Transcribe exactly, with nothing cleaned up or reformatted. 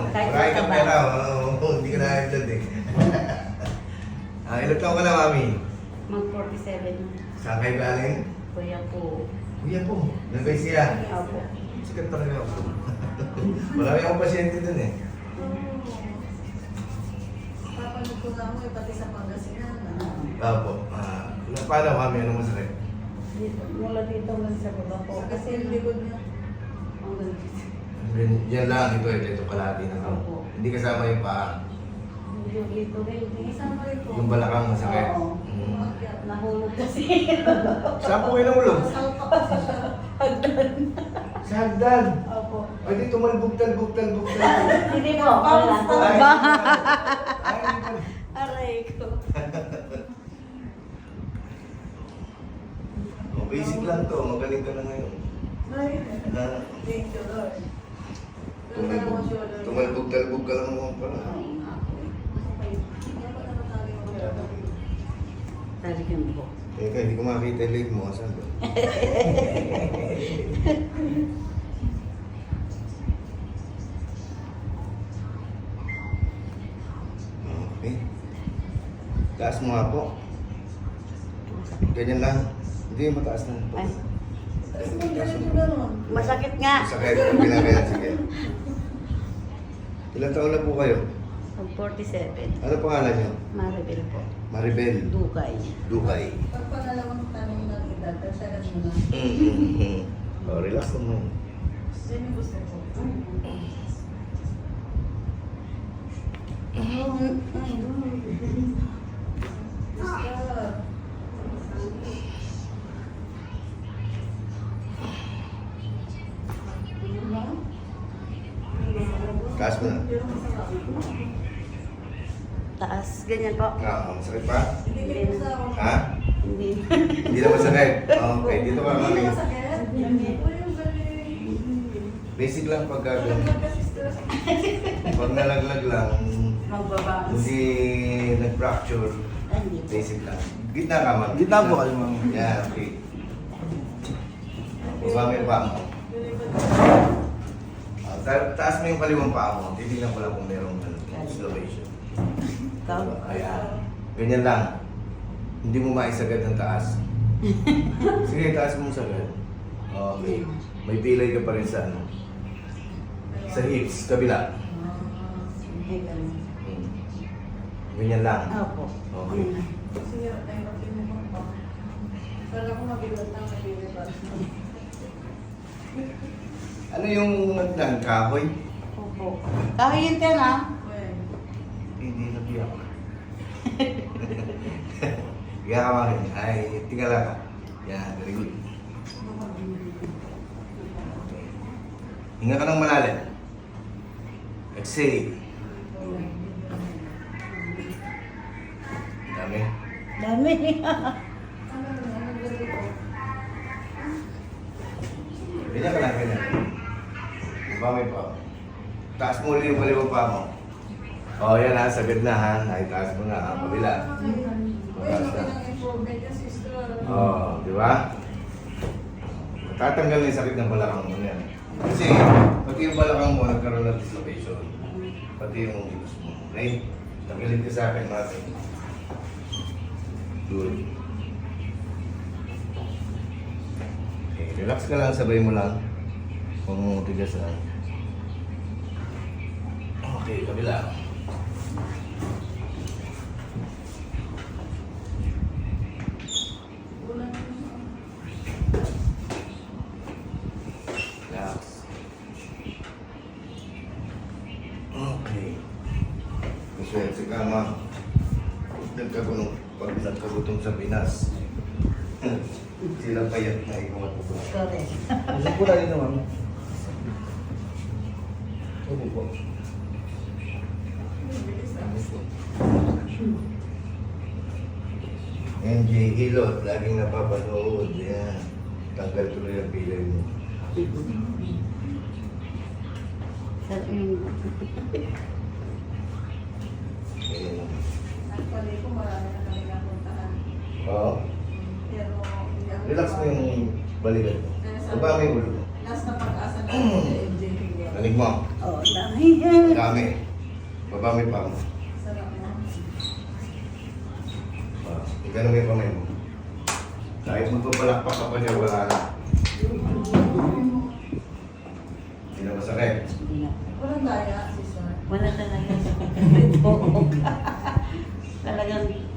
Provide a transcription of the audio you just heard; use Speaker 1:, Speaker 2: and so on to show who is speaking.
Speaker 1: Kahit
Speaker 2: Marami kang
Speaker 1: mataba.
Speaker 2: pera, oh, hindi ka na high blood eh. Ah, ilang taon ka na, mami?
Speaker 1: Mag forty-seven na.
Speaker 2: Saan kayo galing?
Speaker 1: Kuya po.
Speaker 2: Kuya po, nagay siya.
Speaker 1: Opo.
Speaker 2: Sikat talaga ako. Marami akong pasyente dun eh.
Speaker 3: Papanood ko nga mo, eh, pati sa Pangasinan.
Speaker 2: Opo. Ah, paano kami? Ano masakit?
Speaker 1: Dito, mula dito man sa baba po.
Speaker 3: Kasi yung likod niya.
Speaker 1: Hanggang dito.
Speaker 2: Yan- Yan lang, ito, ito, ito kalahati na to.
Speaker 1: Opo.
Speaker 2: Hindi kasama yung paa.
Speaker 1: Yung dito rin.
Speaker 3: Isama rin po.
Speaker 2: Yung balakang masakit.
Speaker 1: Oo.
Speaker 2: Mm.
Speaker 1: Nahulog kasi.
Speaker 2: Saan po kayo nahulog?
Speaker 3: Salpa kasi siya.
Speaker 2: Sa hagdan.
Speaker 1: Opo.
Speaker 2: Ay, di tumalbog-tal, bugtal, bugtal.
Speaker 1: Hindi po. Wala.
Speaker 2: Ay,
Speaker 1: Ba?
Speaker 2: ay, ay,
Speaker 1: Aray ko.
Speaker 2: oh, basic lang to, magaling ka na ngayon.
Speaker 3: Ay,
Speaker 2: Ah,
Speaker 3: thank you, Lord.
Speaker 2: tumalbog, tumalbog-talbog ka lang naman pala.
Speaker 1: Talagang po.
Speaker 2: Teka, hindi ko makita yung leg mo. Saan ba? Okay. Taas mo nga po. Ganyan lang. Hindi, mataas na.
Speaker 1: Ay.
Speaker 3: Tapos mo ganito gano'n.
Speaker 1: Masakit nga.
Speaker 2: Sakit. Pinakaya. Sige. Ilang taon na po kayo?
Speaker 1: Mag forty-seven.
Speaker 2: Ano pangalan niyo?
Speaker 1: Maribel po.
Speaker 2: Maribel.
Speaker 1: Dukay.
Speaker 2: Dukay.
Speaker 3: Pag pangalawang tanong ng edad, tagsagan mo na.
Speaker 2: Mm-hmm. Oh, relax naman.
Speaker 3: Yan yung gusto ko. Basta.
Speaker 2: Taas mo na.
Speaker 1: Taas. Ganyan po.
Speaker 2: Ah, masakit pa?
Speaker 3: Hindi ko sa ako.
Speaker 2: Ha?
Speaker 1: Hindi.
Speaker 2: Hindi na masakit. Okay, dito ka
Speaker 3: Hindi
Speaker 2: kami.
Speaker 3: ko masakit. Hindi ko yung galing.
Speaker 2: Basic lang pagka
Speaker 3: Nalaglag kasi stress.
Speaker 2: pag nalaglag lang,
Speaker 1: Magbabangas.
Speaker 2: hindi nag-fracture,
Speaker 1: Ay, hindi po.
Speaker 2: basic lang. Gitna ka, ma'am.
Speaker 4: Gitna po kayo, ma'am.
Speaker 2: Yeah, okay. Baba mo yung paa mo. Ah, ta- taas mo yung kaliwang paa mo. Titignan ko lang kung merong ano, slowation.
Speaker 1: Ikaw?
Speaker 2: Ayan. Ganyan lang. Hindi mo maisagad ng taas. Sige, taas mo sagad. Okay. May pilay ka pa rin sa ano. Sa hips, kabila.
Speaker 1: Ay, ganun.
Speaker 2: Hmm. Ganyan lang.
Speaker 1: Opo.
Speaker 2: Okay.
Speaker 3: Sige, ay mag-inom pa. Kala ko mabigat na, mabigat pa.
Speaker 2: Ano yung nagdang kahoy?
Speaker 1: Opo. Kahoy yun ka na.
Speaker 3: Well,
Speaker 2: Hindi nabiyak. Kaya ka makin. Ay, tingala ka. Yan, very good. Hinga ka ng malalim. Exhale. Dami.
Speaker 1: Dami.
Speaker 3: ano na, ano gabi ko?
Speaker 2: Ganyan ka lang, ganyan. Diba may pa? Taas mo ulit yung kaliwang pa mo. O, oh, yan ha, sagad na ha. Naitaas mo na ha, kabila.
Speaker 3: Uy, laki ng improvement yung sister.
Speaker 2: Oo, oh, di ba? Tatanggal na yung sakit ng balakang mo yan. Kasi, pati yung balakang mo nagkaroon ng dislocation. Pati yung hips mo. Okay? Tanggalin ka sa akin natin. Good. Okay, relax ka lang, sabay mo lang. Huwag mo tigas lang. Okay, kabila. Relax. Okay. Maswerte ka, ma. Nagkagulo, pag nagkagutom sa Pinas. Sila payat na ikaw at po.
Speaker 1: Correct.
Speaker 4: Gusto po tayo naman. Opo po.
Speaker 2: M J Hilot, laging napapanood. Yan. Tanggal tuloy ang pilay mo.
Speaker 1: Sa yung...
Speaker 2: Ganyan lang.
Speaker 3: Actually ko, marami na kami napuntahan.
Speaker 2: Oo.
Speaker 3: Pero, hindi ako-
Speaker 2: Relax mo yung balikat mo. Baba mo yung ulo mo.
Speaker 3: Last na pag-asa na ako sa M J Higa.
Speaker 2: Tanig mo.
Speaker 1: Oh, dami yan.
Speaker 2: Dami. Baba mo yung paa mo.
Speaker 3: Sarap mo.
Speaker 2: Ah, Ganun yung kamay mo. Kahit magpapalakpak ka pa niya, wala na. Hindi na masakit.
Speaker 1: Hindi na.
Speaker 3: Walang daya, sister.
Speaker 1: Wala talaga. Talagang